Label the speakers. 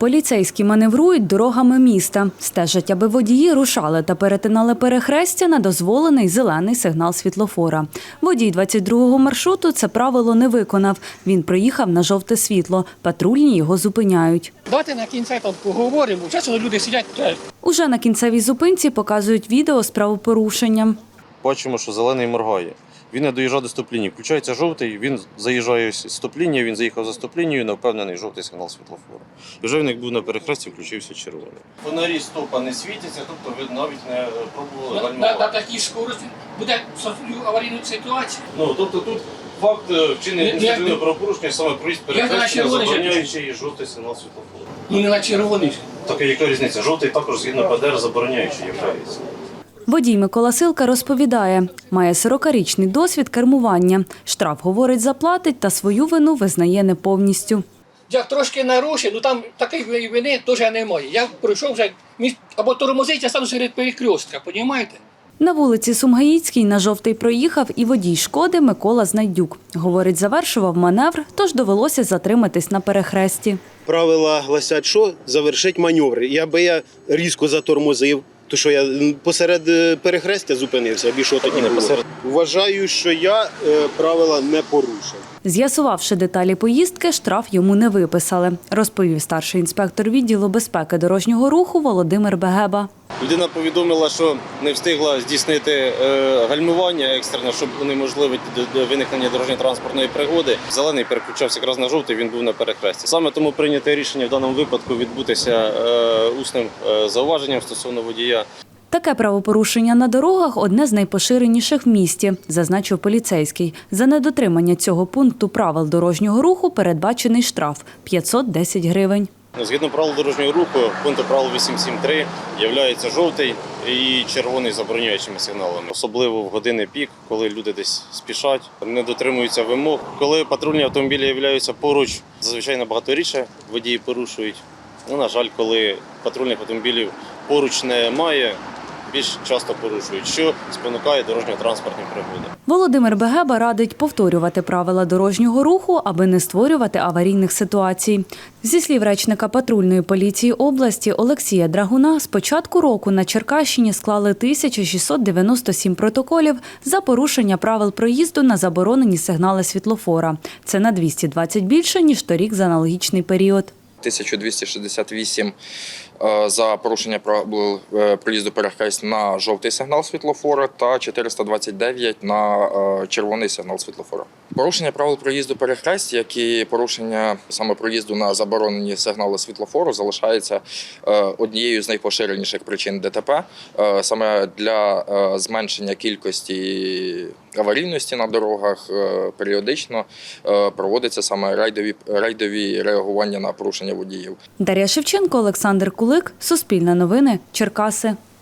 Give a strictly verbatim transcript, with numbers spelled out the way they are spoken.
Speaker 1: Поліцейські маневрують дорогами міста. Стежать, аби водії рушали та перетинали перехрестя на дозволений зелений сигнал світлофора. Водій двадцять другого маршруту це правило не виконав. Він проїхав на жовте світло. Патрульні його зупиняють.
Speaker 2: Давайте на кінці там поговоримо. Часом люди сидять.
Speaker 1: Уже на кінцевій зупинці показують відео з правопорушенням.
Speaker 3: Бачимо, що зелений моргає. Він не доїжджає до стоп-лінії. Включається жовтий, він заїжджає з стоп-лінії, він заїхав за стоп-лінією, на впевнений жовтий сигнал світлофора. І вже він, як був на перехресті, включився червоний. Фонарі стопа не світяться, тобто ви навіть не пробували гальмувати.
Speaker 2: На такій скорості буде створювати аварійну ситуацію.
Speaker 3: Ну, тобто тут факт вчинення адміністративного правопорушення, саме проїзд перехрестя, забороняючий жовтий сигнал світлофора.
Speaker 2: Ну не на червоний.
Speaker 3: Так, яка різниця? Жовтий також згідно П Д Р забороняючий являється.
Speaker 1: Водій Микола Силка розповідає, має сорокарічний досвід кермування. Штраф, говорить, заплатить та свою вину визнає не повністю.
Speaker 2: Я трошки нарушив, ну там такої вини теж немає. Я пройшов вже, або тормозить, я стану серед перекрестка, розумієте?
Speaker 1: На вулиці Сумгаїцькій на жовтий проїхав і водій «Шкоди» Микола Знайдюк. Говорить, завершував маневр, тож довелося затриматись на перехресті.
Speaker 4: Правила гласять, що завершить маневр. Якби я різко затормозив, то що я посеред перехрестя зупинився, більше тоді не було. Вважаю, що я правила не порушив.
Speaker 1: З'ясувавши деталі поїздки, штраф йому не виписали, розповів старший інспектор відділу безпеки дорожнього руху Володимир Бегеба.
Speaker 3: Людина повідомила, що не встигла здійснити гальмування екстрене, щоб унеможливити виникнення дорожньо-транспортної пригоди. Зелений переключався якраз на жовтий, він був на перехресті. Саме тому прийнято рішення в даному випадку відбутися усним зауваженням стосовно водія.
Speaker 1: Таке правопорушення на дорогах – одне з найпоширеніших в місті, зазначив поліцейський. За недотримання цього пункту правил дорожнього руху передбачений штраф – п'ятсот десять гривень.
Speaker 3: Згідно правил дорожнього руху, пункту правил вісім сім три є жовтий і червоний забороняючими сигналами. Особливо в години пік, коли люди десь спішать, не дотримуються вимог. Коли патрульні автомобілі являються поруч, зазвичай набагато рідше водії порушують. Ну, на жаль, коли патрульних автомобілів поруч немає, більш часто порушують, що спонукає дорожньо-транспортні пригоди.
Speaker 1: Володимир Бегеба радить повторювати правила дорожнього руху, аби не створювати аварійних ситуацій. Зі слів речника патрульної поліції області Олексія Драгуна, з початку року на Черкащині склали тисячу шістсот дев'яносто сім протоколів за порушення правил проїзду на заборонені сигнали світлофора. Це на двісті двадцять більше, ніж торік за аналогічний період.
Speaker 5: тисяча двісті шістдесят вісім за порушення правил проїзду перехресть на жовтий сигнал світлофора та чотириста двадцять дев'ять на червоний сигнал світлофора. Порушення правил проїзду перехресть, як і порушення саме проїзду на заборонені сигнали світлофору, залишається однією з найпоширеніших причин Д Т П. Саме для зменшення кількості аварійності на дорогах періодично проводяться саме рейдові, рейдові реагування на порушення водіїв.
Speaker 1: Дар'я Шевченко, Олександр Кулик, Суспільне новини, Черкаси.